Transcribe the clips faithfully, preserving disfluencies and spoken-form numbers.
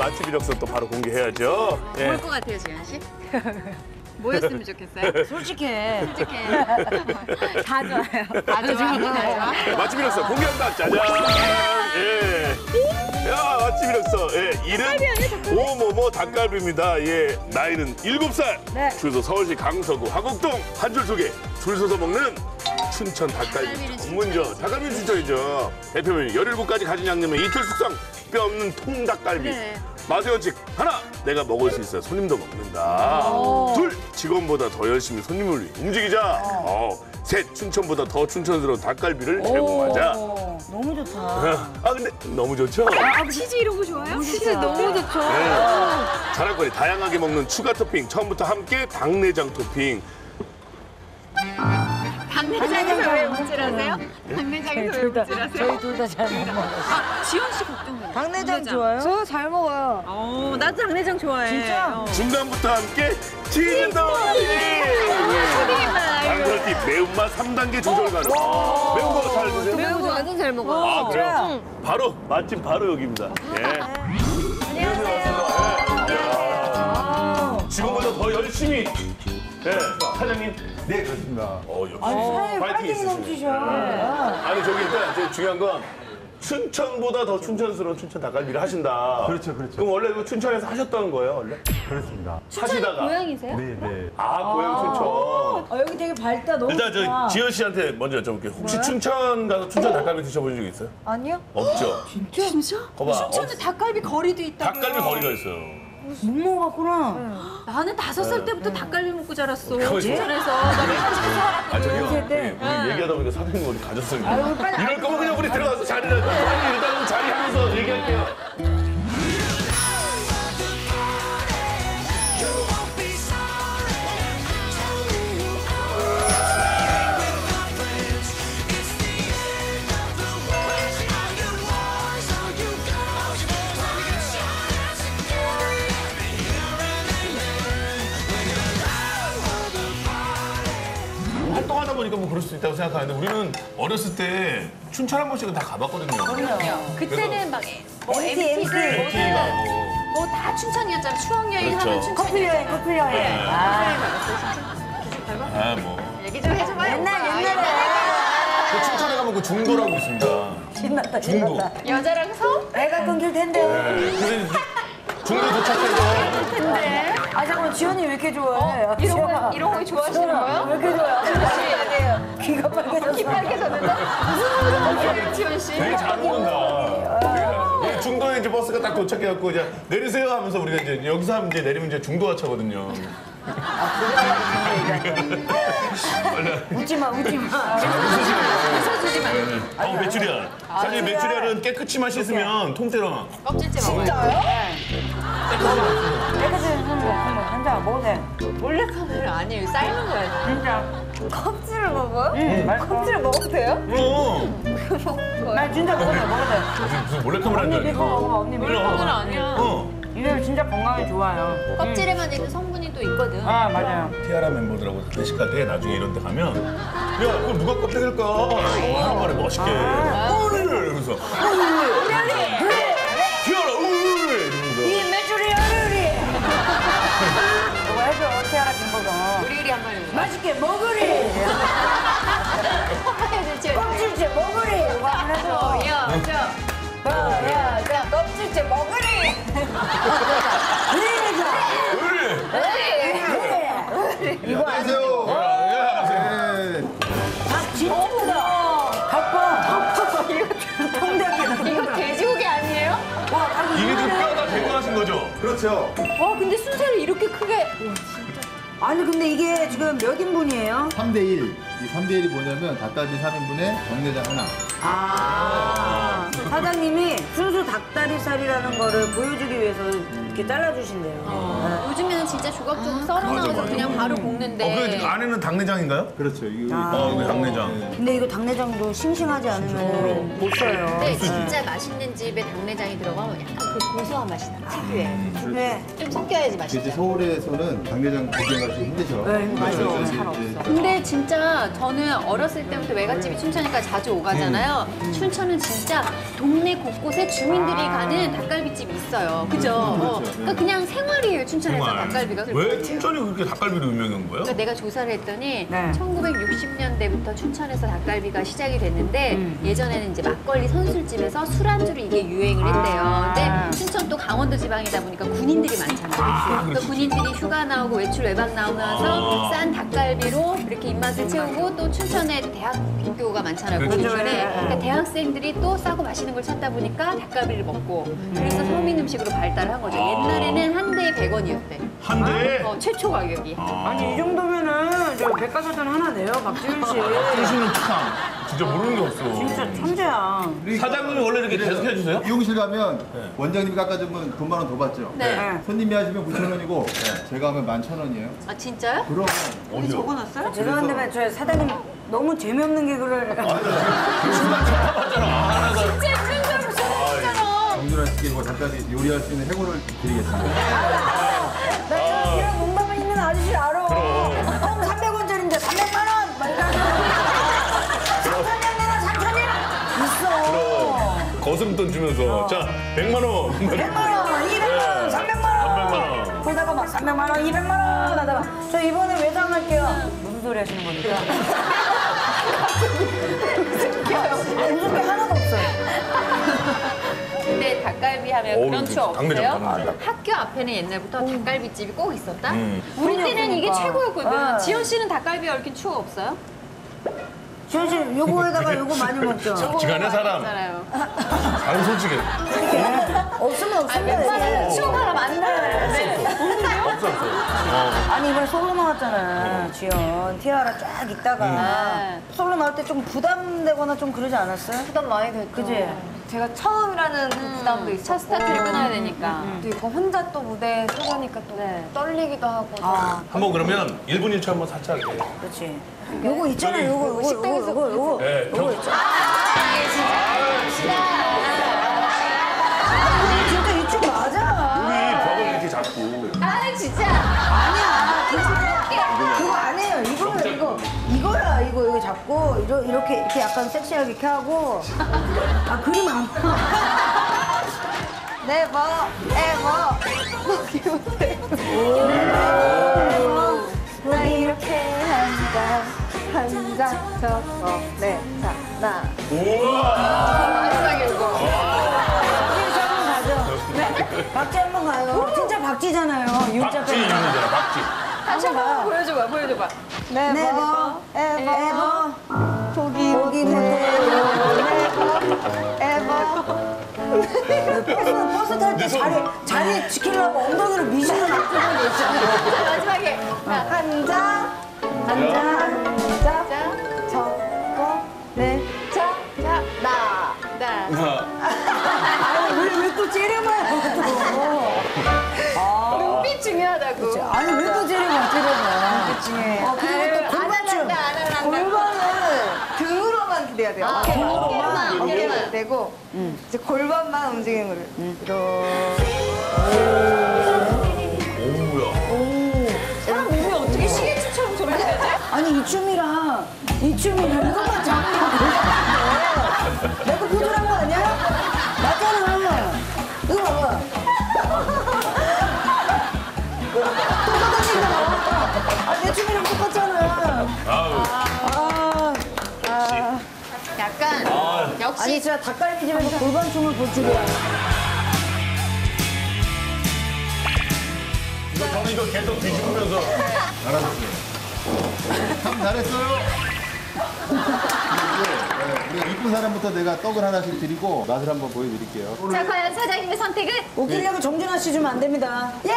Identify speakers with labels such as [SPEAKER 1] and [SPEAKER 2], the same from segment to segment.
[SPEAKER 1] 맛집 이력서 또 바로 공개해야죠. 예.
[SPEAKER 2] 뭘 것 같아요, 지현 씨? 뭐였으면 좋겠어요?
[SPEAKER 3] 솔직해.
[SPEAKER 2] 솔직해.
[SPEAKER 3] 다 좋아요.
[SPEAKER 2] 다 좋아, 다 좋아.
[SPEAKER 1] 맛집 이력서 공개한다. 짜잔. 예. 야, 맛집 이력서. 예. 이름 오모모 닭갈비입니다. 예. 나이는 일곱 살.
[SPEAKER 3] 네.
[SPEAKER 1] 주소 서울시 강서구 화곡동 한 줄 두 개. 줄 서서 먹는 춘천 닭갈비 전문점. 닭갈비 춘천이죠. 대표 메뉴 열일곱 가지 가진 양념에 이틀 숙성. 뼈 없는 통닭갈비.
[SPEAKER 2] 그래.
[SPEAKER 1] 맛의 원칙 하나, 내가 먹을 수 있어야 손님도 먹는다. 둘, 직원보다 더 열심히 손님을 위해 움직이자. 어. 셋, 춘천보다 더 춘천스러운 닭갈비를 제공하자.
[SPEAKER 3] 오, 너무 좋다.
[SPEAKER 1] 아 근데 너무 좋죠?
[SPEAKER 2] 아, 치즈 이런 거 좋아요? 치즈 너무 좋죠.
[SPEAKER 1] 네. 자랑거리 다양하게 먹는 추가 토핑. 처음부터 함께 닭내장 토핑.
[SPEAKER 2] 당내장에서 왜 움찔하세요? 당내장에서 왜 움찔하세요?
[SPEAKER 3] 저희 둘 다 잘 못 먹어요.
[SPEAKER 2] 아, 지현 씨 걱정돼요.
[SPEAKER 3] 당내장 좋아요? 저 잘 먹어요.
[SPEAKER 2] 어, 나도 당내장 좋아해.
[SPEAKER 3] 진짜?
[SPEAKER 2] 어.
[SPEAKER 1] 중간부터 함께 치즈 덩어리. 당그렇게 매운맛 삼 단계 조절 가능. 매운 거 잘 드세요?
[SPEAKER 2] 매운 거 완전 잘 먹어요.
[SPEAKER 1] 아 그래요? 바로 맛집 바로 여기입니다. 예. 안녕하세요. 지금보다 더 열심히. 네, 사장님.
[SPEAKER 4] 네, 그렇습니다.
[SPEAKER 1] 어, 역시
[SPEAKER 3] 사장님
[SPEAKER 1] 파이팅
[SPEAKER 3] 파이팅
[SPEAKER 1] 있으시네.
[SPEAKER 3] 넘치셔.
[SPEAKER 1] 아니 저기 일단 제일 중요한 건 춘천보다 더 춘천스러운 춘천 닭갈비를 하신다.
[SPEAKER 4] 그렇죠, 그렇죠.
[SPEAKER 1] 그럼 원래 이거 춘천에서 하셨던 거예요, 원래?
[SPEAKER 4] 그렇습니다.
[SPEAKER 1] 하시다가.
[SPEAKER 2] 고향이세요?
[SPEAKER 4] 네, 네.
[SPEAKER 1] 아, 고향 춘천.
[SPEAKER 3] 어, 여기 되게 밝다. 너무
[SPEAKER 1] 일단 저
[SPEAKER 3] 좋다.
[SPEAKER 1] 지현 씨한테 먼저 여쭤볼게요. 혹시 춘천 가서 춘천 닭갈비 드셔보신 적 있어요?
[SPEAKER 3] 아니요?
[SPEAKER 1] 없죠.
[SPEAKER 2] 진짜? 진짜?
[SPEAKER 1] 거봐.
[SPEAKER 2] 춘천에
[SPEAKER 1] 없-
[SPEAKER 2] 닭갈비 거리도 있다고요.
[SPEAKER 1] 닭갈비 거리가 있어요.
[SPEAKER 3] 못 먹어봤구나.
[SPEAKER 2] 나는 다섯 살 때부터 닭갈비 먹고 자랐어.
[SPEAKER 1] 그거 진짜?
[SPEAKER 2] 춘천에서. 나 매일같이
[SPEAKER 1] 아, 저기요.
[SPEAKER 3] 연세 때.
[SPEAKER 1] 우리, 우리 얘기하다 보니까 사장님 어디 가셨어요?
[SPEAKER 3] 아유, 빨리
[SPEAKER 1] 이럴 거면 그냥 우리 들어가서 자리를. 아니, 일단은 자리하면서 얘기할게요. 활동하다 보니까 뭐 그럴 수 있다고 생각하는데 우리는 어렸을 때 춘천 한 번씩은 다 가봤거든요.
[SPEAKER 2] 그때는 막 뭐
[SPEAKER 3] 엠티,
[SPEAKER 2] 엠티,
[SPEAKER 3] 엠티.
[SPEAKER 1] 엠티 가고.
[SPEAKER 2] 뭐 다 춘천이었잖아. 추억 여행
[SPEAKER 1] 그렇죠.
[SPEAKER 2] 하면 춘천.
[SPEAKER 3] 커플 여행, 커플 여행.
[SPEAKER 1] 네.
[SPEAKER 3] 아,
[SPEAKER 1] 아, 뭐.
[SPEAKER 2] 얘기 좀 해줘봐요.
[SPEAKER 3] 옛날, 옛날에.
[SPEAKER 1] 그 춘천에 가면 그 중도라고 있습니다.
[SPEAKER 3] 신났다,
[SPEAKER 1] 중도.
[SPEAKER 3] 신났다.
[SPEAKER 2] 여자랑 서?
[SPEAKER 3] 애가 끊길 텐데.
[SPEAKER 1] 그래서 이제 중도 도착해서
[SPEAKER 3] 아, 잠깐만, 지연이 왜 이렇게 좋아해? 아,
[SPEAKER 2] 이런 거,
[SPEAKER 3] 지연아.
[SPEAKER 2] 이런 거 좋아하시는
[SPEAKER 3] 지연아,
[SPEAKER 2] 거예요?
[SPEAKER 3] 왜 이렇게 좋아해? 아저씨, 귀가 빨개졌어.
[SPEAKER 2] 키 빨개졌는데? 무슨 소리예요, 지현 씨?
[SPEAKER 1] 되게 잘 오는다. 되게 잘 오는다. 중도에 이제 버스가 딱 도착해갖고 이제 내리세요 하면서 우리가 이제 여기서 하면 이제 내리면 이제 중도 하차거든요.
[SPEAKER 3] 웃지 마, 웃지 마.
[SPEAKER 2] 웃어주지 마.
[SPEAKER 1] 어, 메추리알. 사실 메추리알은 깨끗이만 씻으면 통째로.
[SPEAKER 2] 껍질째 먹어요.
[SPEAKER 3] 깨끗이 손으로 한번 한잔 먹어도 돼.
[SPEAKER 2] 몰래 카메라 아니에요. 삶은 거예요.
[SPEAKER 3] 진짜.
[SPEAKER 2] 껍질을 먹어요?
[SPEAKER 3] 응, 맛있어.
[SPEAKER 2] 껍질을 먹어도 돼요?
[SPEAKER 1] 그럼.
[SPEAKER 3] 나 진짜 먹어도 돼, 먹어도 돼.
[SPEAKER 1] 무슨, 무슨 몰래카메라
[SPEAKER 3] 언니
[SPEAKER 1] 한다.
[SPEAKER 3] 믿고 먹어봐, 언니 믿고
[SPEAKER 1] 몰래
[SPEAKER 3] 먹어봐.
[SPEAKER 2] 그건 아니야.
[SPEAKER 1] 어.
[SPEAKER 3] 이거 진짜 건강에 좋아요.
[SPEAKER 2] 껍질에만 있는 성분이 또 있거든.
[SPEAKER 3] 아, 맞아요.
[SPEAKER 1] 티아라 멤버들하고 회식할 때 나중에 이런 데 가면 야, 그거 누가 껍데기일까? 하는 말에 멋있게. 우리! 이러면서. 우리! 티아라, 우리! 이러면서.
[SPEAKER 3] 이 메추리 어르리. 이거 해줘, 티아라 김보경.
[SPEAKER 2] 우리 우리 한 번 해보자.
[SPEAKER 3] 맛있게 먹으리.
[SPEAKER 2] 해야지.
[SPEAKER 3] 껍질째 먹으리. 이거 한번 해줘.
[SPEAKER 2] 보여줘.
[SPEAKER 3] 보여줘. 껍질째 먹으리.
[SPEAKER 1] 우리!
[SPEAKER 3] 이거
[SPEAKER 4] 안녕하세요.
[SPEAKER 1] 야,
[SPEAKER 3] 닭 진짜 크다. 닭봐. 통닭이다.
[SPEAKER 2] 이거 돼지고기 아니에요?
[SPEAKER 3] 와, 닭이
[SPEAKER 1] 이게 지금 뼈다 제거하신 거죠?
[SPEAKER 4] 그렇죠.
[SPEAKER 2] 와 근데 순살을 이렇게 크게.
[SPEAKER 3] 아니 근데 이게 지금 몇 인분이에요?
[SPEAKER 4] 삼 대 일. 이 삼 대 일이 뭐냐면 닭갈비 삼 인분에 정내장 하나.
[SPEAKER 3] 아 사장님이 순수 닭다리살이라는 거를 보여주기 위해서 이렇게 잘라주신대요.
[SPEAKER 2] 요즘에는 진짜 조각조각 썰어 나와서 그냥 바로 볶는데.
[SPEAKER 5] 어, 그 안에는 당내장인가요?
[SPEAKER 4] 그렇죠. 이거
[SPEAKER 5] 어, 이거 당내장.
[SPEAKER 3] 근데 이거 당내장도 싱싱하지 않으면 못 써요.
[SPEAKER 2] 근데 진짜 맛있는 집에 당내장이 들어가면 약간 그 고소한 맛이 나. 특유의.
[SPEAKER 3] 네.
[SPEAKER 2] 좀 섞여야지
[SPEAKER 4] 이제
[SPEAKER 2] 맛있죠.
[SPEAKER 4] 서울에서는 당내장 구경하기 좀 힘드죠.
[SPEAKER 3] 네, 맞아.
[SPEAKER 4] 그래서 이제
[SPEAKER 3] 잘
[SPEAKER 4] 이제
[SPEAKER 2] 근데 진짜 저는 어렸을 때부터 외갓집이 춘천이니까 자주 오가잖아요. 춘천은 진짜 동네 곳곳에 주민들이 가는 닭갈비집이 있어요. 그죠? 어. 그러니까 그냥 생활이에요, 춘천에서 닭갈비가.
[SPEAKER 5] 왜 춘천이 그렇게 닭갈비로 유명한 거예요?
[SPEAKER 2] 그러니까 내가 조사를 했더니
[SPEAKER 3] 네.
[SPEAKER 2] 천구백육십 년대부터 춘천에서 닭갈비가 시작이 됐는데 예전에는 이제 막걸리 선술집에서 술안주로 이게 유행을 했대요. 근데 춘천 또 강원도 지방이다 보니까 군인들이 많잖아요. 그러니까 군인들이 휴가 나오고 외출 외박 나오면서 싼 닭갈비로 이렇게 입맛을 채우고 또 춘천에 대학교가 많잖아요.
[SPEAKER 5] 그렇죠.
[SPEAKER 2] 군인들에. 그러니까 대학생들이 또 싸고 맛있는 걸 찾다 보니까 닭갈비를 먹고 그래서 서민 음식으로 발달한 거죠. 옛날에는 한 대에 백 원이었대.
[SPEAKER 5] 한 대에?
[SPEAKER 2] 어, 최초 가격이.
[SPEAKER 3] 아니 이 정도면은 저 백과사전 하나 내요, 박지윤 씨.
[SPEAKER 5] 주시는 축하. 진짜 모르는 게 없어.
[SPEAKER 3] 진짜 천재야.
[SPEAKER 5] 사장님이 원래 이렇게 계속 해주세요?
[SPEAKER 4] 미용실 가면 원장님이 깎아주면 돈 만 원 더 받죠.
[SPEAKER 2] 네.
[SPEAKER 4] 손님이 하시면 구천 원이고 제가 하면 만 천 원이에요.
[SPEAKER 2] 아 진짜요?
[SPEAKER 4] 그럼
[SPEAKER 2] 적어놨어요?
[SPEAKER 3] 죄송한데 저 사장님 너무 재미없는 개그를.
[SPEAKER 2] 진짜 춘천으로 쏘았잖아.
[SPEAKER 4] 정준하 씨께 뭐 잠깐 요리할 수 있는 해고를 드리겠습니다.
[SPEAKER 3] 나 이런 농담에 있는 아저씨 알아. 형 삼백 원짜리인데 삼백만 원. 막 이러면서. 삼천냥 내놔 삼천냥. 있어.
[SPEAKER 5] 거스름돈 주면서. 자, 백만 원.
[SPEAKER 3] 백만 원, 이백만 원, 삼백만 원.
[SPEAKER 5] 삼백만 원.
[SPEAKER 3] 그러다가 막 삼백만 원, 이백만 원 하다가 저 이번에 외상할게요. 무슨 소리 하시는 겁니까? 웃을 게 하나도 없어요.
[SPEAKER 2] 근데 닭갈비 하면
[SPEAKER 5] 어우,
[SPEAKER 2] 그런 추억
[SPEAKER 5] 당내장,
[SPEAKER 2] 없어요?
[SPEAKER 5] 당내장.
[SPEAKER 2] 학교 앞에는 옛날부터 닭갈비집이 꼭 있었다?
[SPEAKER 5] 음.
[SPEAKER 2] 우리
[SPEAKER 3] 그럼요,
[SPEAKER 2] 때는 이게
[SPEAKER 3] 그러니까.
[SPEAKER 2] 최고였거든.
[SPEAKER 3] 아.
[SPEAKER 2] 지현 씨는 닭갈비에 얽힌 추억 없어요?
[SPEAKER 3] 지현 씨 요거에다가 요거 많이 먹죠?
[SPEAKER 5] 지간의 사람.
[SPEAKER 2] 알아요.
[SPEAKER 5] 아니, 솔직히.
[SPEAKER 3] 없으면 없으면
[SPEAKER 2] 웬만하면
[SPEAKER 3] 되지.
[SPEAKER 2] 추억 하나 만들어야
[SPEAKER 5] 없어, 없어.
[SPEAKER 3] 아니 이번에 솔로 나왔잖아, 지연. 티아라 쫙 있다가
[SPEAKER 2] 음.
[SPEAKER 3] 솔로 나올 때 좀 부담되거나 좀 그러지 않았어요?
[SPEAKER 6] 부담 많이 됐죠.
[SPEAKER 3] 그지?
[SPEAKER 6] 제가 처음이라는 그 부담도 있었고
[SPEAKER 2] 첫 스타트를 끊어야 되니까.
[SPEAKER 6] 또 이거 혼자 또 무대에 서가니까 또 떨리기도 하고
[SPEAKER 3] 아,
[SPEAKER 5] 한번 그러면 일 분 일 초 한번 살짝.
[SPEAKER 3] 그렇지. 요거 있잖아, 요거, 요거, 요거, 요거, 요거.
[SPEAKER 5] 네,
[SPEAKER 3] 요거
[SPEAKER 5] 경-
[SPEAKER 3] 있잖아. 진짜 이쪽 맞아.
[SPEAKER 1] 우리 벽을 이렇게 잡고.
[SPEAKER 2] 아 진짜.
[SPEAKER 3] 아니야, 그거, 그거 아니에요. 이거, 이거, 이거야, 이거, 이거 잡고, 이러, 이렇게, 이렇게 약간 섹시하게 이렇게 하고. 아, 그림 안 봐.
[SPEAKER 6] 네버 에버 나 이렇게 한다 한장 적어 네자 나
[SPEAKER 2] 마지막에 이거.
[SPEAKER 3] 박지 한번 가죠. 네? 박지 한번 가요. 진짜 박지잖아요. U자
[SPEAKER 5] 박지
[SPEAKER 3] 빼고.
[SPEAKER 5] 이름이잖아, 박지.
[SPEAKER 2] 다시 한번 보여줘봐, 보여줘봐.
[SPEAKER 6] 네버
[SPEAKER 3] 네버,
[SPEAKER 6] 에버
[SPEAKER 3] 에버,
[SPEAKER 6] 보기
[SPEAKER 3] 보기 못해요.
[SPEAKER 6] 에버
[SPEAKER 3] 버스, 버스 탈 때 자리, 자리 지키려고 엉덩이를 미시는 악플이 있잖아요.
[SPEAKER 2] 마지막에.
[SPEAKER 6] 한장 한장 자 적어 네자
[SPEAKER 2] 자, 나. 나.
[SPEAKER 3] 아니, 왜, 왜 또 째려봐요, 또.
[SPEAKER 2] 눈빛 중요하다고.
[SPEAKER 3] 아니, 왜 또 째려봐, 째려봐.
[SPEAKER 6] 중요해요.
[SPEAKER 3] 어, 그리고 또 골반춤.
[SPEAKER 6] 골반은 등으로만 기대야 돼요.
[SPEAKER 2] 아,
[SPEAKER 6] 등으로만
[SPEAKER 2] 어깨만,
[SPEAKER 6] 어깨만
[SPEAKER 2] 어깨만.
[SPEAKER 6] 되고 이제 골반만 움직이는 거를.
[SPEAKER 5] 오우야.
[SPEAKER 2] 사람 몸이 어떻게 시계추처럼 저렇게 되지?
[SPEAKER 3] 아니, 이 춤이랑, 이 춤이랑 이것만 잡으면 돼. 내가 포즈한 거 아니야? 맞잖아. 이거 봐봐. 똑같다니까. 아, 내 춤이랑 똑같잖아.
[SPEAKER 5] 아우.
[SPEAKER 3] 아,
[SPEAKER 2] 약간
[SPEAKER 3] 아니,
[SPEAKER 2] 역시
[SPEAKER 3] 진짜 닭갈비집에서 골반춤을 볼 줄이야.
[SPEAKER 5] 이거 저는 이거 계속 뒤집으면서.
[SPEAKER 4] 알았어요. 참 잘했어요. 우리 이쁜 사람부터 내가 떡을 하나씩 드리고 맛을 한번 보여드릴게요.
[SPEAKER 2] 자 과연 사장님의 선택은?
[SPEAKER 3] 웃기려고 정준하 씨 주면 안 됩니다. 예!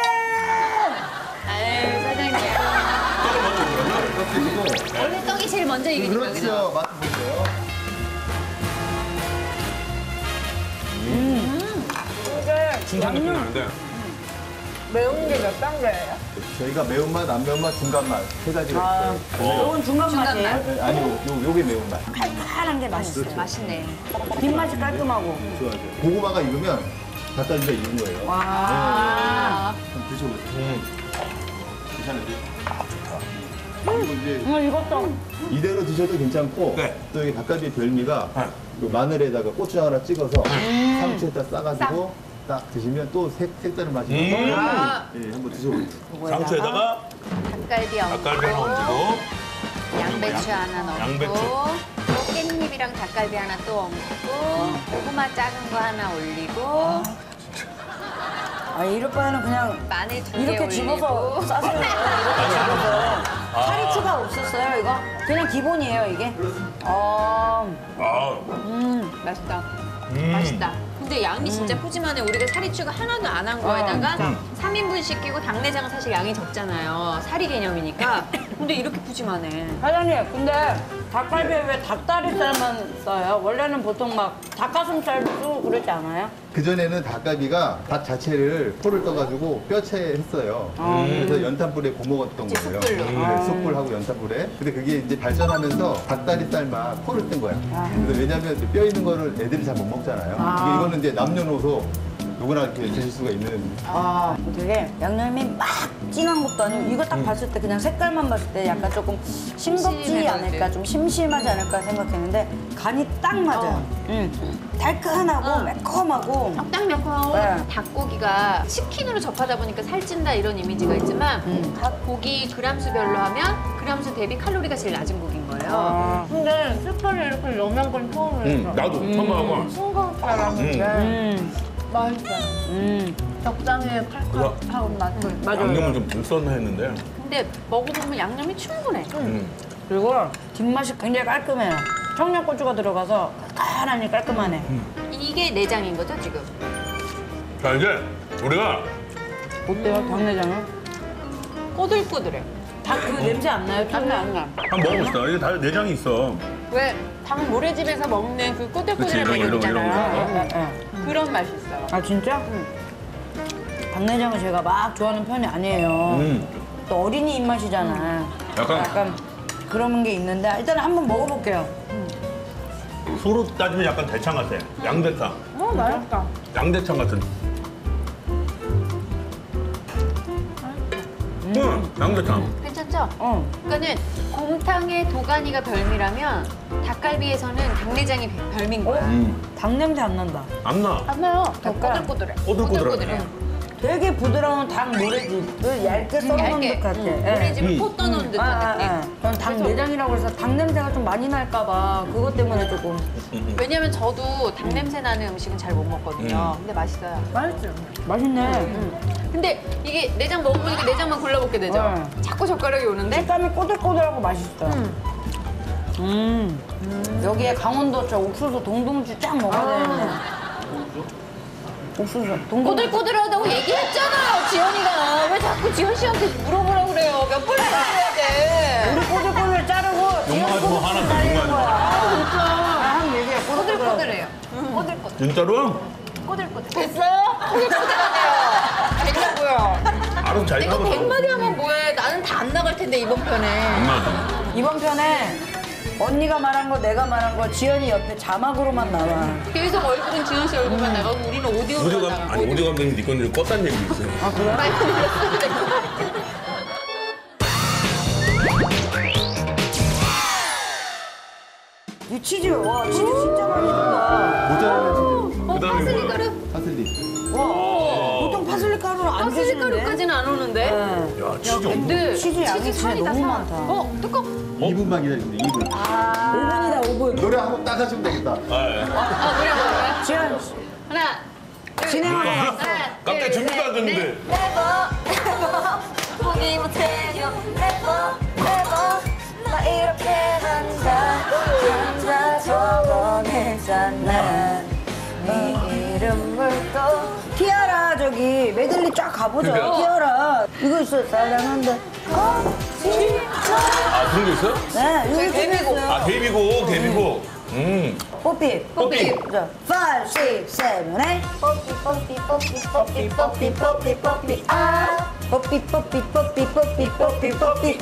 [SPEAKER 2] 아유 사장님
[SPEAKER 4] 떡 드시고.
[SPEAKER 2] 원래 떡이 제일 먼저 익으니까 그죠?
[SPEAKER 4] 그렇죠. 맛 보세요.
[SPEAKER 5] 춘천 느낌 나는데.
[SPEAKER 6] 매운 게 몇 단계예요?
[SPEAKER 4] 저희가 매운맛, 안 매운맛, 중간맛 세 가지가 있어요.
[SPEAKER 3] 이건 중간 맛이에요.
[SPEAKER 4] 네, 아니요, 요, 요게 매운맛.
[SPEAKER 3] 칼칼한 게 맛있어요.
[SPEAKER 2] 맛있네.
[SPEAKER 3] 뒷맛이 깔끔하고.
[SPEAKER 4] 좋아요. 고구마가 익으면 닭갈비가 익은 거예요.
[SPEAKER 3] 와.
[SPEAKER 2] 아,
[SPEAKER 4] 한번 드셔보세요.
[SPEAKER 5] 음.
[SPEAKER 4] 괜찮으세요? 아, 좋다. 그리고 이제
[SPEAKER 3] 음, 이것도.
[SPEAKER 4] 이대로 드셔도 괜찮고
[SPEAKER 5] 네.
[SPEAKER 4] 또 여기 닭갈비 별미가
[SPEAKER 5] 네.
[SPEAKER 4] 그 마늘에다가 고추장 하나 찍어서 상추에다 싸가지고 딱 드시면 또 색, 색다른 맛이
[SPEAKER 5] 음.
[SPEAKER 4] 나요. 예, 한번 드셔보세요.
[SPEAKER 5] 상추에다가
[SPEAKER 2] 닭갈비 얹고,
[SPEAKER 5] 닭갈비 하나 얹고
[SPEAKER 2] 양배추 하나 넣고,
[SPEAKER 5] 양배추.
[SPEAKER 2] 또 깻잎이랑 닭갈비 하나 또 얹고, 고구마 작은 거 하나 올리고,
[SPEAKER 3] 아, 이럴 바에는 그냥
[SPEAKER 2] 마늘 두 개
[SPEAKER 3] 이렇게
[SPEAKER 2] 올리고.
[SPEAKER 3] 집어서 싸세요. 이렇게 집어서. 살이 추가 없었어요, 이거? 그냥 기본이에요, 이게? 어,
[SPEAKER 5] 아,
[SPEAKER 2] 음, 맛있다.
[SPEAKER 5] 음.
[SPEAKER 2] 맛있다. 근데 양이 진짜 푸짐하네. 우리가 사리추가 하나도 안 한 거에다가 삼 인분 시키고 당내장은 사실 양이 적잖아요. 사리 개념이니까. 근데 이렇게 푸짐하네.
[SPEAKER 3] 사장님, 근데 닭갈비에 왜 닭다리살만 써요? 원래는 보통 막 닭가슴살 쓰고 그러지 않아요?
[SPEAKER 4] 그전에는 닭갈비가 닭 자체를 포를 떠가지고 뼈채 했어요. 그래서 연탄불에 구워 먹었던 거예요.
[SPEAKER 2] 숯불로.
[SPEAKER 4] 네, 숯불하고 연탄불에. 근데 그게 이제 발전하면서 닭다리살만 포를 뜬 거야. 그래서 왜냐면 이제 뼈 있는 거를 애들이 잘 못 먹잖아요. 이게 이거는 이제 남녀노소 누구나 이렇게 드실 수가 있는.
[SPEAKER 3] 아, 되게 양념이 막 진한 것도 아니고 이거 딱 봤을 때 그냥 색깔만 봤을 때 약간 조금 싱겁지
[SPEAKER 2] 심심해
[SPEAKER 3] 않을까,
[SPEAKER 2] 보이지.
[SPEAKER 3] 좀 심심하지 않을까 생각했는데 간이 딱 맞아요. 음. 달큰하고 매콤하고
[SPEAKER 2] 딱 매콤하고
[SPEAKER 3] 네.
[SPEAKER 2] 닭고기가 치킨으로 접하다 보니까 살찐다 이런 이미지가 있지만 닭고기 그람수별로 하면 그람수 대비 칼로리가 제일 낮은 고기인 거예요.
[SPEAKER 6] 근데 스프를 이렇게 넣는 건 처음이에요.
[SPEAKER 5] 음, 나도 처음 하고.
[SPEAKER 6] 싱거울 줄 알았는데
[SPEAKER 3] 음.
[SPEAKER 6] 맛있어요.
[SPEAKER 3] 음.
[SPEAKER 6] 적당히 칼칼하고 맛있어요.
[SPEAKER 3] 맞아요.
[SPEAKER 5] 양념은 좀 덜 썼나 했는데.
[SPEAKER 2] 근데 먹어보면 양념이 충분해.
[SPEAKER 5] 음.
[SPEAKER 3] 그리고 뒷맛이 굉장히 깔끔해요. 청양고추가 들어가서 깔깔하니 깔끔하네.
[SPEAKER 2] 이게 내장인 거죠 지금?
[SPEAKER 5] 자, 이제 우리가
[SPEAKER 3] 어때요, 닭내장은?
[SPEAKER 2] 꼬들꼬들해.
[SPEAKER 3] 닭 그 냄새 안 나요?
[SPEAKER 2] 안 나, 안 나.
[SPEAKER 5] 한번 먹어봅시다. 이게 다 내장이 있어.
[SPEAKER 2] 왜 닭 모래집에서 먹는 그 꼬들꼬들한
[SPEAKER 5] 그치, 이런 거, 이런 거, 이런
[SPEAKER 2] 매력이잖아요.
[SPEAKER 5] 거.
[SPEAKER 3] 예, 예.
[SPEAKER 2] 그런 맛이 있어요.
[SPEAKER 3] 아 진짜? 닭내장은 제가 막 좋아하는 편이 아니에요.
[SPEAKER 5] 음.
[SPEAKER 3] 또 어린이 입맛이잖아.
[SPEAKER 5] 약간-
[SPEAKER 3] 약간 그런 게 있는데 일단 한번 먹어볼게요.
[SPEAKER 5] 소로 따지면 약간 대창 같아. 양대창.
[SPEAKER 6] 어, 맛있다.
[SPEAKER 5] 양대창 같은. 응, 양대창.
[SPEAKER 2] 괜찮죠?
[SPEAKER 3] 어.
[SPEAKER 2] 그러니까는 곰탕의 도가니가 별미라면 닭갈비에서는 닭내장이 별- 별미인 거야.
[SPEAKER 5] 음.
[SPEAKER 3] 닭 냄새 안 난다.
[SPEAKER 5] 안 나.
[SPEAKER 2] 안 나요. 더
[SPEAKER 3] 약간
[SPEAKER 2] 꼬들꼬들해.
[SPEAKER 5] 꼬들꼬들하네.
[SPEAKER 2] 꼬들꼬들해요.
[SPEAKER 3] 되게 부드러운 닭 모래집을 얇게 썰어놓은
[SPEAKER 2] 얇게.
[SPEAKER 3] 듯 같아.
[SPEAKER 2] 응.
[SPEAKER 3] 예.
[SPEAKER 2] 모래집을
[SPEAKER 5] 음.
[SPEAKER 2] 포 떠놓은
[SPEAKER 3] 아,
[SPEAKER 2] 듯한
[SPEAKER 3] 아,
[SPEAKER 2] 느낌.
[SPEAKER 3] 아. 저는 닭 내장이라고 해서 닭 냄새가 좀 많이 날까봐 그것 때문에 조금.
[SPEAKER 2] 왜냐면 저도 닭 냄새 나는 음식은 잘 못 먹거든요.
[SPEAKER 5] 음.
[SPEAKER 2] 근데 맛있어요.
[SPEAKER 6] 맛있죠.
[SPEAKER 3] 맛있네.
[SPEAKER 2] 근데 이게 내장 먹어보니까 내장만 골라먹게 되죠?
[SPEAKER 3] 네.
[SPEAKER 2] 자꾸 젓가락이 오는데?
[SPEAKER 3] 색감이 꼬들꼬들하고 맛있어. 음. 여기에 강원도 저 옥수수 동동주 쫙 먹어야 되는데. 옥수수 동동주.
[SPEAKER 2] 꼬들꼬들하다고 얘기했잖아요, 지연이가. 왜 자꾸 지연 씨한테 물어보라고 그래요? 몇 번을 말해야 돼.
[SPEAKER 3] 우리 꼬들꼬들 자르고
[SPEAKER 5] 욕망하지 마, 하나 더 욕망하지 마.
[SPEAKER 3] 아, 한 얘기해. 꼬들꼬들.
[SPEAKER 2] 꼬들꼬들해요. 꼬들꼬들.
[SPEAKER 5] 진짜로?
[SPEAKER 2] 꼬들꼬들. 됐어요? 꼬들꼬들하네요. 되냐고요.
[SPEAKER 5] 알아서 잘
[SPEAKER 2] 내가
[SPEAKER 5] 하고.
[SPEAKER 2] 백마디 하면 뭐해. 나는 다 안 나갈 텐데, 이번 편에.
[SPEAKER 5] 안 맞아.
[SPEAKER 3] 이번 편에 언니가 말한 거 내가 말한 거 지연이 옆에 자막으로만 나와.
[SPEAKER 2] 계속 얼굴은 지연 씨 얼굴만 나가고 우리는 오디오로만
[SPEAKER 5] 오디오 감,
[SPEAKER 2] 나가고.
[SPEAKER 5] 아니, 오디오 감독님 네 건들 껐다는 얘기 있어요.
[SPEAKER 3] 아 그래?
[SPEAKER 2] 마이크 눌렀어야 될것 같아.
[SPEAKER 3] 이 치즈, 와 치즈 진짜 많이 든다.
[SPEAKER 4] 모짜렐라 치즈,
[SPEAKER 2] 어,
[SPEAKER 5] 그다음에
[SPEAKER 2] 파슬리
[SPEAKER 5] 뭐야?
[SPEAKER 2] 가루?
[SPEAKER 4] 파슬리.
[SPEAKER 3] 와, 보통 파슬리 가루는 안
[SPEAKER 2] 파슬리
[SPEAKER 3] 드시는데.
[SPEAKER 2] 가루까지는 안 오는데?
[SPEAKER 3] 네.
[SPEAKER 5] 야, 진짜 엄청.
[SPEAKER 2] 근데
[SPEAKER 3] 치즈 양이 진짜
[SPEAKER 2] 살이 다
[SPEAKER 3] 너무
[SPEAKER 2] 사.
[SPEAKER 3] 많다.
[SPEAKER 2] 어, 뚜껑.
[SPEAKER 4] 이 분만 기다리세요, 이 분.
[SPEAKER 3] 오 분이다, 오 분.
[SPEAKER 4] 노래 한 곡 딱 하시면 되겠다.
[SPEAKER 5] 아, 예.
[SPEAKER 2] 아, 노래 뭐야?
[SPEAKER 3] 지연,
[SPEAKER 2] 하나, 둘,
[SPEAKER 3] 진행하고
[SPEAKER 2] 셋,
[SPEAKER 3] 왔어.
[SPEAKER 2] 하나,
[SPEAKER 5] 갑자기
[SPEAKER 2] 둘,
[SPEAKER 5] 준비도 안
[SPEAKER 2] 셋,
[SPEAKER 5] 됐는데.
[SPEAKER 2] 넷. Never, never, 포기 못해요. Never, never, 나 이렇게 한다. 한다 적어내잖아. 네 이름을 또.
[SPEAKER 3] 티아라 저기 메들리 쫙 가보죠.
[SPEAKER 5] 그러니까.
[SPEAKER 3] 티아라 이거 있어요. 사랑한다. 어?
[SPEAKER 5] 아, 그런 게 있어요?
[SPEAKER 3] 네, 이거
[SPEAKER 2] 데뷔곡.
[SPEAKER 3] 있어요.
[SPEAKER 5] 아, 데뷔곡, 데뷔곡. 음.
[SPEAKER 3] 뽀삐.
[SPEAKER 5] 뽀삐.
[SPEAKER 3] 자, five, six, seven, eight.
[SPEAKER 2] 뽀삐 뽀삐 뽀삐 뽀삐 뽀삐 뽀삐 뽀삐 아
[SPEAKER 3] 뽀삐, 뽀삐, 뽀삐, 뽀삐, 뽀삐, 뽀삐.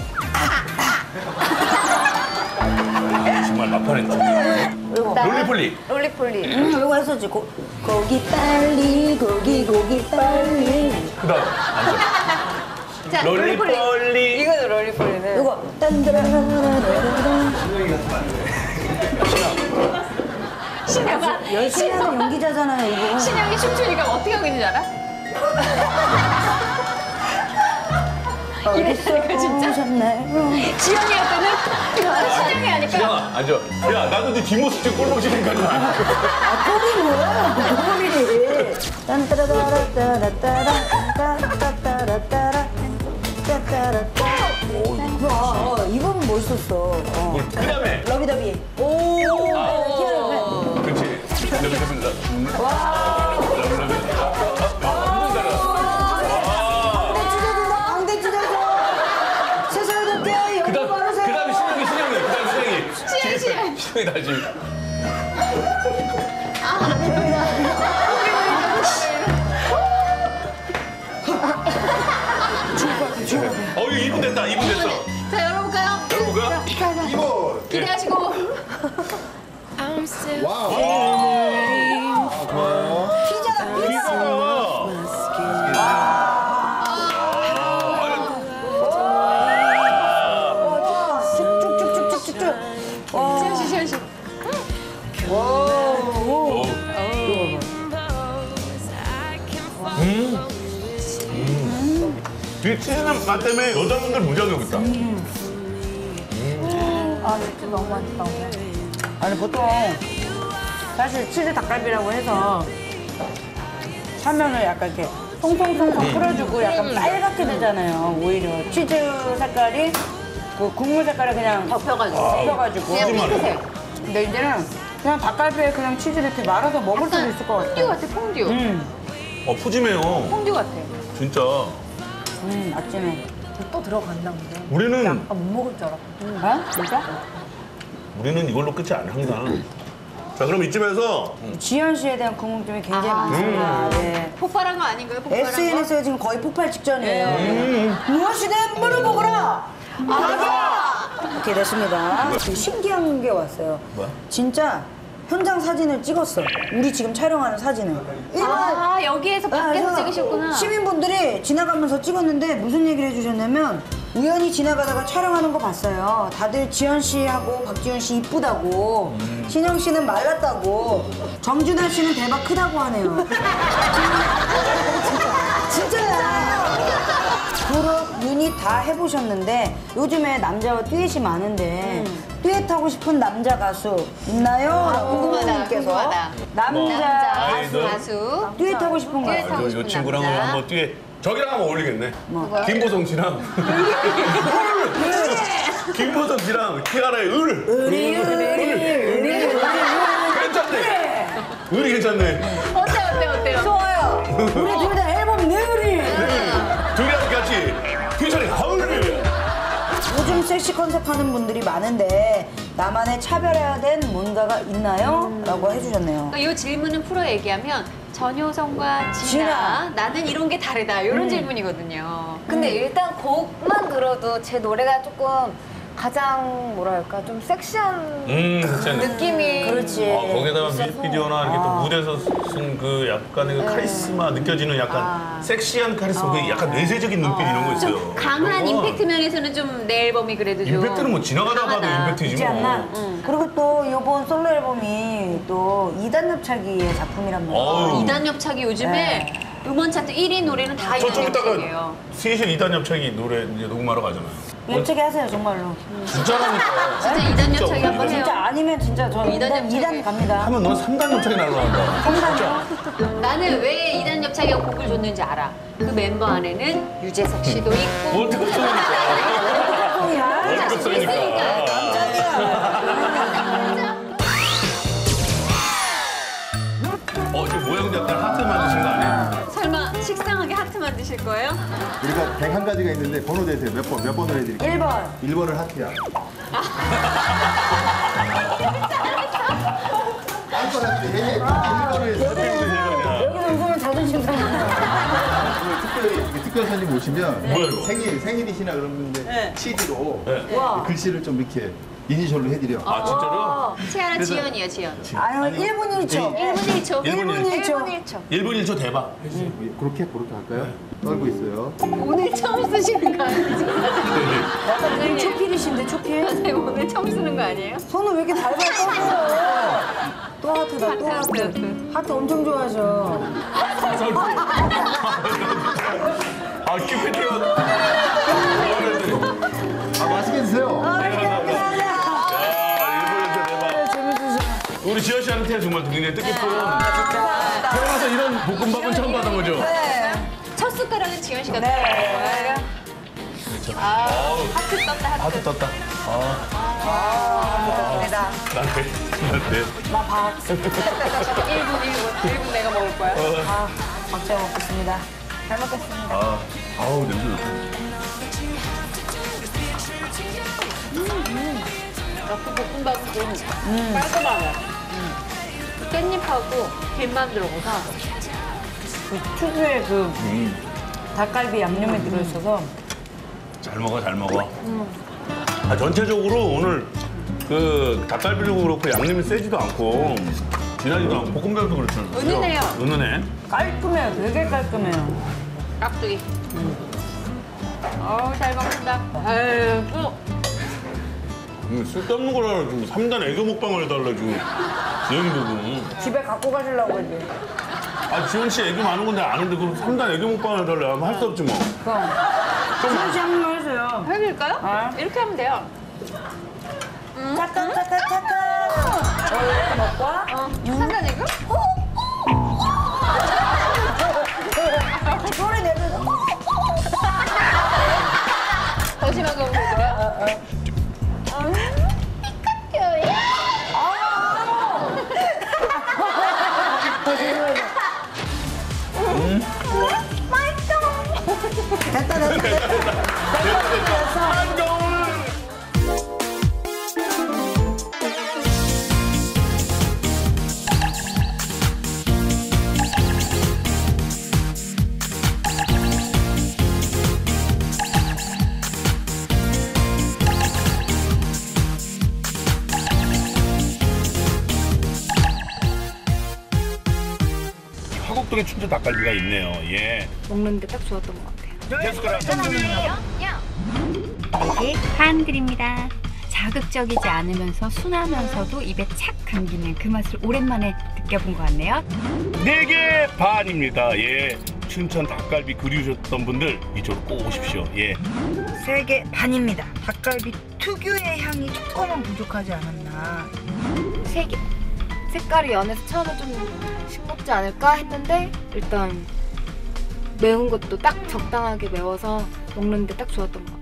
[SPEAKER 5] 정말 막판했다.
[SPEAKER 3] 이거.
[SPEAKER 5] 롤리폴리.
[SPEAKER 2] 롤리폴리.
[SPEAKER 3] 음, 이거 했었지. 고, 고기 빨리, 고기, 고기 빨리.
[SPEAKER 5] 그다음 앉아.
[SPEAKER 2] 자 롤리폴리.
[SPEAKER 5] 롤리폴리.
[SPEAKER 6] 이거는 롤리폴리는.
[SPEAKER 3] 이거 딴드라라라라라라.
[SPEAKER 2] 신영아
[SPEAKER 3] 열심히 하는 연기자잖아요, 이거.
[SPEAKER 2] 신영이 춤추니까 어떻게 하고 있는지 알아? 이랬다니까 진짜.
[SPEAKER 3] 오셨나요?
[SPEAKER 2] 지영이할 때는 신영이 하니까
[SPEAKER 5] 신영아 앉아. 야 나도 네 뒷모습 좀 꼴보기 싫으니까 좀 앉아.
[SPEAKER 3] 아, 꼴이 뭐야? 꼴이. 딴따라따라따라따라, 따따따라따라, 따따라따. 와, 이건 멋있었어. 어.
[SPEAKER 5] 그다음에
[SPEAKER 3] 러비더비. 오, 희한해.
[SPEAKER 5] 그렇지. 러블러블러. 와. 러블러블러.
[SPEAKER 3] 방대 찢어져. 세상에 덮게 여기
[SPEAKER 5] 그다음
[SPEAKER 3] 바르세요.
[SPEAKER 5] 그다음에 신영이 신영이 그다음 신영이.
[SPEAKER 2] 시영 시영.
[SPEAKER 5] 신영이 다시. 어 이거 이 분 됐다. 이 분 됐어.
[SPEAKER 2] 자 열어볼까요?
[SPEAKER 5] 열어볼까요?
[SPEAKER 2] 자, 자.
[SPEAKER 4] 이거.
[SPEAKER 2] 기대하시고
[SPEAKER 4] 와우.
[SPEAKER 3] 피자, 피자.
[SPEAKER 5] 피자가.
[SPEAKER 3] 쭉쭉쭉쭉쭉쭉.
[SPEAKER 2] 시영 씨 시영 씨.
[SPEAKER 5] 오. 음. 음. 이 치즈는 맛 때문에 여자분들 무지하게 여기 있다.
[SPEAKER 6] 아, 진짜 너무 맛있다.
[SPEAKER 3] 아니 보통 사실 치즈 닭갈비라고 해서 화면을 약간 이렇게 통통통통 풀어주고 약간 빨갛게 되잖아요. 오히려 치즈 색깔이 그 국물 색깔을 그냥
[SPEAKER 2] 덮여가지고.
[SPEAKER 3] 덮여가지고.
[SPEAKER 2] 그냥 핑크색.
[SPEAKER 3] 근데 이제는 그냥 닭갈비에 그냥 치즈를 이렇게 말아서 먹을 수도 있을 것
[SPEAKER 2] 퐁듀
[SPEAKER 3] 같아.
[SPEAKER 2] 같아 퐁듀.
[SPEAKER 3] 음,
[SPEAKER 5] 어 푸짐해요.
[SPEAKER 2] 퐁듀 같아.
[SPEAKER 5] 진짜.
[SPEAKER 3] 음, 아침에.
[SPEAKER 6] 또 들어간다, 근데.
[SPEAKER 5] 우리는
[SPEAKER 6] 아, 못 먹을 줄 알았거든.
[SPEAKER 3] 어? 진짜?
[SPEAKER 5] 우리는 이걸로 끝이 아니야 항상. 자 그럼 이쯤에서
[SPEAKER 3] 지현 씨에 대한 궁금증이 굉장히
[SPEAKER 2] 아.
[SPEAKER 3] 많습니다. 네.
[SPEAKER 2] 폭발한 거 아닌가요? 폭발한 거?
[SPEAKER 3] 에스엔에스가 지금 거의 폭발 직전이에요. 무엇이든 물어보거라! 맞아! 이렇게 됐습니다. 되게 신기한 게 왔어요.
[SPEAKER 5] 뭐야?
[SPEAKER 3] 진짜 현장 사진을 찍었어. 우리 지금 촬영하는 사진을. 일반
[SPEAKER 2] 아 여기에서 밖에서 찍으셨구나.
[SPEAKER 3] 시민분들이 지나가면서 찍었는데 무슨 얘기를 해주셨냐면 우연히 지나가다가 촬영하는 거 봤어요. 다들 지현 씨하고 박지현 씨 이쁘다고, 신영 씨는 말랐다고, 정준하 씨는 대박 크다고 하네요. 진짜야. 그룹 유닛 다 해보셨는데 요즘에 남자와 듀엣이 많은데 듀엣 하고 싶은 남자 가수 있나요?
[SPEAKER 2] 아, 궁금하다,
[SPEAKER 3] 부모님께서.
[SPEAKER 2] 궁금하다.
[SPEAKER 3] 남자
[SPEAKER 2] 남자
[SPEAKER 5] 아이돌.
[SPEAKER 2] 가수.
[SPEAKER 3] 듀엣 하고 싶은
[SPEAKER 2] 듀엣
[SPEAKER 3] 가수.
[SPEAKER 2] 하고
[SPEAKER 5] 이
[SPEAKER 2] 싶은
[SPEAKER 5] 친구랑
[SPEAKER 2] 남자.
[SPEAKER 5] 한번 뒤에 저기랑 한번 어울리겠네.
[SPEAKER 3] 뭐?
[SPEAKER 5] 김보성 씨랑 김보성 씨랑 티아라의 을.
[SPEAKER 3] 의리 의리 의리
[SPEAKER 5] 괜찮네. 을이 괜찮네.
[SPEAKER 2] 어때 어때 어때요?
[SPEAKER 3] 좋아요. 우리 둘 다 앨범 내으리.
[SPEAKER 5] 둘이랑 같이 피처링 하을.
[SPEAKER 3] 요즘 섹시 컨셉 하는 분들이 많은데 나만의 차별화된 뭔가가 있나요? 라고 해주셨네요.
[SPEAKER 2] 이 질문은 풀어 얘기하면 전효성과 진아,
[SPEAKER 3] 진아.
[SPEAKER 2] 나는 이런 게 다르다 이런 질문이거든요.
[SPEAKER 6] 근데 일단 곡만 들어도 제 노래가 조금 가장 뭐랄까 좀 섹시한
[SPEAKER 5] 음, 괜찮네.
[SPEAKER 6] 느낌이
[SPEAKER 3] 그렇지.
[SPEAKER 5] 어, 거기다가
[SPEAKER 6] 있어서.
[SPEAKER 5] 뮤직비디오나 이렇게 또 무대에서 쓴 그 약간의 그 카리스마 느껴지는 약간
[SPEAKER 2] 아.
[SPEAKER 5] 섹시한 카리스마, 그 약간 내세적인 눈빛 이런 거 있어요.
[SPEAKER 2] 좀 강한
[SPEAKER 5] 그런 건
[SPEAKER 2] 임팩트 면에서는 좀 내 앨범이 그래도 좀
[SPEAKER 5] 임팩트는 뭐 지나가다 봐도
[SPEAKER 2] 강하다.
[SPEAKER 5] 임팩트지
[SPEAKER 3] 있지
[SPEAKER 5] 뭐.
[SPEAKER 3] 않나? 그리고 또 이번 솔로 앨범이 또 이단 협차기의 작품이란 말이에요.
[SPEAKER 5] 어우.
[SPEAKER 2] 이단 협착이 요즘에
[SPEAKER 3] 네.
[SPEAKER 2] 음원 차트 일 위 노래는 다
[SPEAKER 5] 저
[SPEAKER 2] 이단
[SPEAKER 5] 좀 이따가
[SPEAKER 2] 협착이에요.
[SPEAKER 5] 슬슬 이단 협착이 노래 이제 녹음하러 가잖아요.
[SPEAKER 3] 협차기 하세요, 정말로.
[SPEAKER 5] 진짜라니까.
[SPEAKER 2] 진짜 이단 협착이 한번 해요.
[SPEAKER 3] 진짜 아니면 진짜 저
[SPEAKER 2] 이단
[SPEAKER 3] 이단, 이단
[SPEAKER 2] 협차기.
[SPEAKER 3] 갑니다.
[SPEAKER 5] 하면 넌 삼단 협착이 날라간다.
[SPEAKER 3] 삼단이요?
[SPEAKER 2] 나는 왜 이단 협착이가 곡을 줬는지 알아. 그 멤버 안에는 유재석 씨도 있고
[SPEAKER 5] 월드컵 성이니까.
[SPEAKER 3] 뭐야?
[SPEAKER 5] 월드컵 성이니까. 어, 지금 모양도 약간 하트 만드신 거 아니에요?
[SPEAKER 2] 설마 식상하게 하트 만드실 거예요?
[SPEAKER 4] 우리가 백한 가지가 있는데 번호 대세요. 몇 번, 몇 번을 해드릴게요.
[SPEAKER 3] 일 번.
[SPEAKER 4] 일 번을 하트야. 할 거라는데 일본을 해서
[SPEAKER 3] 여기서 웃으면 자존심 상해.
[SPEAKER 4] 특별히 특별 손님 오시면
[SPEAKER 5] 뭐야, 이거?
[SPEAKER 4] 생일 생일이시나 그러는데 치즈로
[SPEAKER 5] 네.
[SPEAKER 3] 와.
[SPEAKER 4] 글씨를 좀 이렇게 이니셜로 해드려.
[SPEAKER 5] 아 진짜로?
[SPEAKER 2] 치아라
[SPEAKER 4] 그래서-
[SPEAKER 2] 지연이요, 지연.
[SPEAKER 3] 아유, 일 분 일 초.
[SPEAKER 2] 일 분 일 초.
[SPEAKER 5] 일 분 일 초.
[SPEAKER 3] 일 분 일 초.
[SPEAKER 5] 일 분 일 초 대박.
[SPEAKER 4] 그렇게 그렇게 할까요? 떨고 있어요.
[SPEAKER 2] 오늘 처음 쓰시는 거 아니죠?
[SPEAKER 3] 약간 초필이신데, 초필?
[SPEAKER 2] 선생님 오늘 처음 쓰는 거 아니에요?
[SPEAKER 3] 손을 왜 이렇게 달달 떠세요? 또 하트다, 또
[SPEAKER 2] 하트,
[SPEAKER 3] 하트.
[SPEAKER 2] 하트.
[SPEAKER 3] 하트 엄청 좋아하셔.
[SPEAKER 5] 아 큐피티가.
[SPEAKER 4] 아 맛있게 드세요.
[SPEAKER 5] 아 일본 대박.
[SPEAKER 3] 재밌으셔.
[SPEAKER 5] 우리 지현 씨한테 정말 굉장히 뜻깊은. 태어나서 이런 볶음밥은 처음 받은 거죠?
[SPEAKER 2] 첫 숟가락은 지연 씨가
[SPEAKER 3] 네.
[SPEAKER 2] 아, 하트 떴다, 하트.
[SPEAKER 5] 하트 떴다.
[SPEAKER 3] 감사합니다.
[SPEAKER 5] 나한테 나한테.
[SPEAKER 3] 나 밥.
[SPEAKER 2] 일 분, 일 분. 일 분 내가 먹을 거야.
[SPEAKER 3] 아, 박자 먹겠습니다. 잘 먹겠습니다.
[SPEAKER 5] 아 아우 냄새 좋다.
[SPEAKER 2] 그 볶음밥은 좀 깔끔하네. 깻잎하고 김만 들어가서
[SPEAKER 3] 그 특유의 그 닭갈비 양념이 들어있어서
[SPEAKER 5] 잘 먹어 잘 먹어. 아 전체적으로 오늘 그 닭갈비도 그렇고 양념이 세지도 않고 진하지도 않고 볶음밥도 그렇죠.
[SPEAKER 2] 은은해요.
[SPEAKER 5] 은은해.
[SPEAKER 3] 깔끔해요. 되게 깔끔해요.
[SPEAKER 2] 깍두기. 어우, 잘 먹는다. 아유, 또.
[SPEAKER 5] 음, 쓸데없는 거라 지금 삼 단 애교 먹방을 해달라 지금 지현이 보고.
[SPEAKER 3] 집에 갖고 가시려고 그러지.
[SPEAKER 5] 아 지현 씨 애교 많은 건데 아는데 그럼 삼 단 애교 먹방을 해달라 하면 할 수 없지 뭐.
[SPEAKER 3] 그럼. 지현 씨 한 번 해주세요.
[SPEAKER 2] 해드릴까요?
[SPEAKER 3] 아.
[SPEAKER 2] 이렇게 하면 돼요.
[SPEAKER 3] 차타타타타타. 어, 이렇게 먹고 와?
[SPEAKER 2] 어. 상관 이거?
[SPEAKER 3] 소리 내면서.
[SPEAKER 2] 더 심하게 먹을 거야?
[SPEAKER 3] 됐다, 됐다, 됐다. 됐다, 됐어.
[SPEAKER 5] 화곡동에 춘천 닭갈비가 있네요. 예.
[SPEAKER 2] 먹는데 딱 좋았던 것 같아요.
[SPEAKER 5] 데스크라.
[SPEAKER 2] 이게 한글입니다. 자극적이지 않으면서 순하면서도 입에 착 감기는 그 맛을 오랜만에 느껴본 것 같네요.
[SPEAKER 5] 네 개 반입니다. 예. 춘천 닭갈비 그리우셨던 분들 이쪽으로 꼭 오십시오. 예.
[SPEAKER 3] 세 개 반입니다. 닭갈비 특유의 향이 조금은 부족하지 않았나.
[SPEAKER 6] 세 개. 색깔이 연해서 처음에 좀 싱겁지 않을까 했는데 일단 매운 것도 딱 적당하게 매워서 먹는데 딱 좋았던 것 같아요.